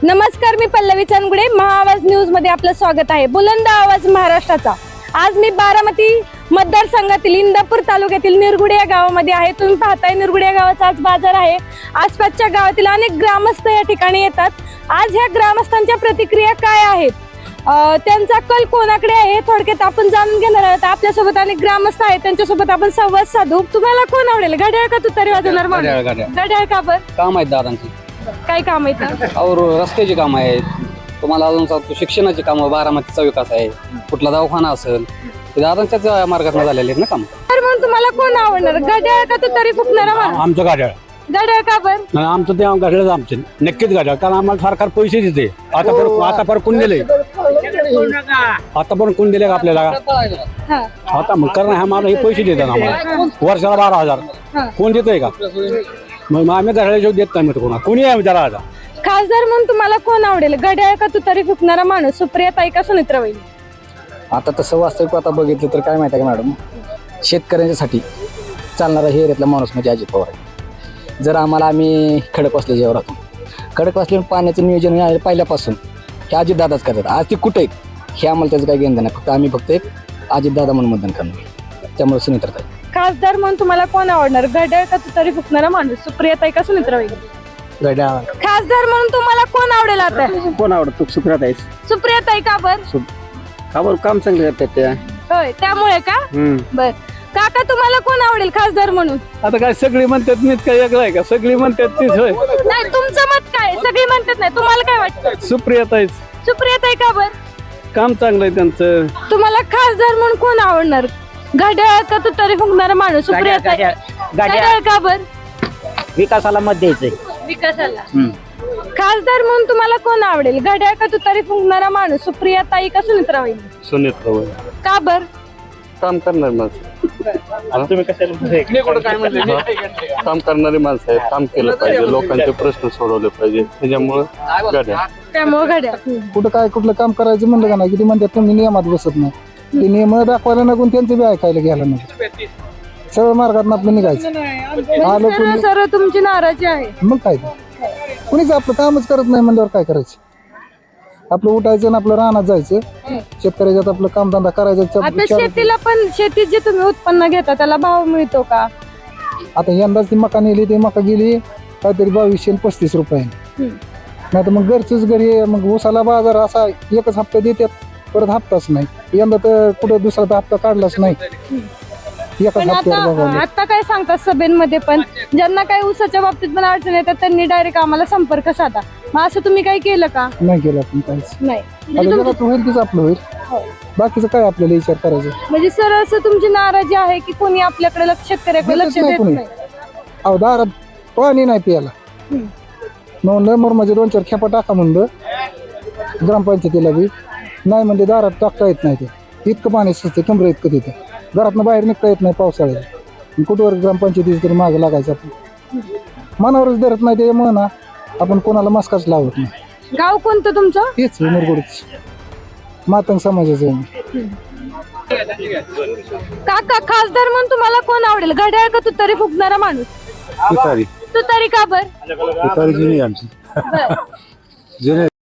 नमस्कार, मी पल्लवी चंदगुडे. महाआवाज न्यूज मध्ये आपलं स्वागत आहे. बुलंद आवाज महाराष्ट्राचा. आज मी बारामती मतदारसंघातील इंदापूर तालुक्यातील निरगुडे या गावामध्ये आहे. तुम्ही पाहताय निरगुडे या गावाचा आज बाजार आहे. आसपासच्या गावातील अनेक ग्रामस्थ या ठिकाणी येतात. आज ह्या ग्रामस्थांच्या प्रतिक्रिया काय आहेत, त्यांचा कल कोणाकडे आहे हे थोडक्यात आपण जाणून घेणार आहोत. आपल्यासोबत अनेक ग्रामस्थ आहेत, त्यांच्यासोबत आपण संवाद साधू. तुम्हाला कोण आवडेल, घड्याळ का तुतारी वाजवणार माणूस? घड्याळ का बरं? काम आहेत दादांची. काय काम आहेत? और रस्त्याची कामं आहेत. तुम्हाला अजून सांगतो, शिक्षणाची कामं, बारामतीचा विकास आहे, कुठला दवाखाना असेल ते दादांच्याच मार्गात झालेले आहेत ना काम. तर म्हणून तुम्हाला कोण आवडणार, घड्याळ का तुतारी फुकणारा माणूस? आमचं गाड्या घड्याळ का बरं? आमचं ते गाड्याच आमचे नक्कीच गाड्या, कारण आम्हाला सरकार पैसे देते. आता पर कोण दिले, आता पण कोण दिले का आपल्याला? हा. आता मग कारण आम्हाला हे पैसे देतात आम्हाला वर्षाला 12,000. कोण देतोय का? मग आम्ही घड्याळ्याशिवाय देत नाही. मग कोणा कोणी आहे त्याला? आता खासदार म्हणून तुम्हाला कोण आवडेल, घड्याळ का तुतारी फुकणारा माणूस? सुप्रियाताई का सुनेत्रा वहिनी? आता तसं वास्तविक आता बघितलं तर काय माहिती आहे का मॅडम, शेतकऱ्यांच्यासाठी चालणारा हे एरियातला माणूस म्हणजे अजित पवार आहे. जर आम्हाला आम्ही खडकवासल्याच्यावर राहतो, खडकवासल्या पाण्याचं नियोजन आहे पहिल्यापासून हे अजितदादाच करतात. आज ते कुठे आहेत हे आम्हाला त्याचं काही घेणं नाही. फक्त एक अजितदादा म्हणून मतदान करणार, त्यामुळे सुनेत्राताई. खासदार म्हणून तुम्हाला कोण आवडणार, घड्याळ का तुतारी फुकणारा माणूस? सुप्रियाताई का सुनेत्रा वहिनी? खासदार म्हणून तुम्हाला कोण आवडेल आता? कोण आवडत? सुप्रियाताई. सुप्रियाताई का बरं? काम चांगले करतात त्या. होय, त्यामुळे का? बर. काका, तुम्हाला कोण आवडेल खासदार म्हणून? आता काय सगळी म्हणतात मीच काय वेगळं आहे का? सगळी म्हणतात तीच होय. नाही, तुमचं मत काय? सगळी म्हणतात नाही, तुम्हाला काय वाटतं? सुप्रियाताईच. सुप्रियाताई का बरं? काम चांगलं आहे त्यांचं. तुम्हाला खासदार म्हणून कोण आवडणार, घड्याळ का तुतारी फुकणारा माणूस? सुप्रियाताई. घड्याळ का बरं? विकासाला मत द्यायचंय. विकासाला. खासदार म्हणून तुम्हाला कोण आवडेल, घड्याळ का तुतारी फुंकणारा माणूस? सुप्रियाताई का सुनेत्रा वहिनी? सुनेत्रा. का बर? काम करणारी माणसं. तुम्ही काम करणारी माणसं आहेत. काम केलं पाहिजे, लोकांचे प्रश्न सोडवले पाहिजे, त्याच्यामुळे घड्याळ. त्यामुळे घड्याळ. कुठलं काम करायचं म्हणलं का नाही, किती म्हणतात तुम्ही नियमात बसत नाही. ते नियम दाखवायला नको, त्यांचं बी ऐकायला घ्यायला नको. सरळ मार्गात आपलं निघायचं. आलं कोणी सर, तुमची नाराजी आहे. मग काय, कुणीच आपलं कामच करत नाही म्हणल्यावर काय करायचं? आपलं उठायचं आणि आपलं रानात जायचं, शेतकऱ्याच्यात आपलं कामधंदा करायचा. आता शेतीला पण, शेतीत जे तुम्ही उत्पन्न घेता त्याला भाव मिळतो का? आता यंदाच ती मका नेली, ती मका गेली काहीतरी 2200 आणि 35 रुपयाने. नाही तर मग घरचीच घरी, मग उसाला बाजार असा एकच हप्ता देतात, परत हप्ताच नाही. यंदा तर कुठं दुसरा हप्ता काढलाच नाही. पण आता काय सांगतात सभेमध्ये, पण ज्यांना काही ऊसाच्या बाबतीत पण अडचण येतात त्यांनी डायरेक्ट आम्हाला संपर्क साधा. मग असं तुम्ही काही केलं का? नाही केलं आपण काहीच. नाही. आता जगात होईल तीच आपलं होईल, बाकीचं काय आपल्याला विचार करायचं? म्हणजे सर, असं तुमची नाराजी आहे की कोणी आपल्याकडे शेतकऱ्याकडे लक्ष देत नाही? अहो, दारात पाणी नाही प्यायला. नंबर म्हणजे 2-4 खेपा टाका म्हणलं ग्रामपंचायतीला बी, नाही म्हणजे दारात टाकता येत नाही. ते इतकं पाणी सुचते, कमरे इतकं तिथं. घरातनं बाहेर निघता येत नाही पावसाळ्यात. कुठवर ग्रामपंचायतीचं तरी मागं लागायचं आपण. मनावरच धरत नाही त्यामुळे ना आपण कोणाला मस्काच लावत नाही. गाव कोणतं तुमचं? तेच निरगुडच, मातंग समाजाचं आहे. काका, खासदार म्हणून तुम्हाला कोण आवडेल, घड्याळ का तुतारी फुकणारा माणूस? तुतारी. तुतारी का बर? तुतारी जुनी आमची. बर. जुने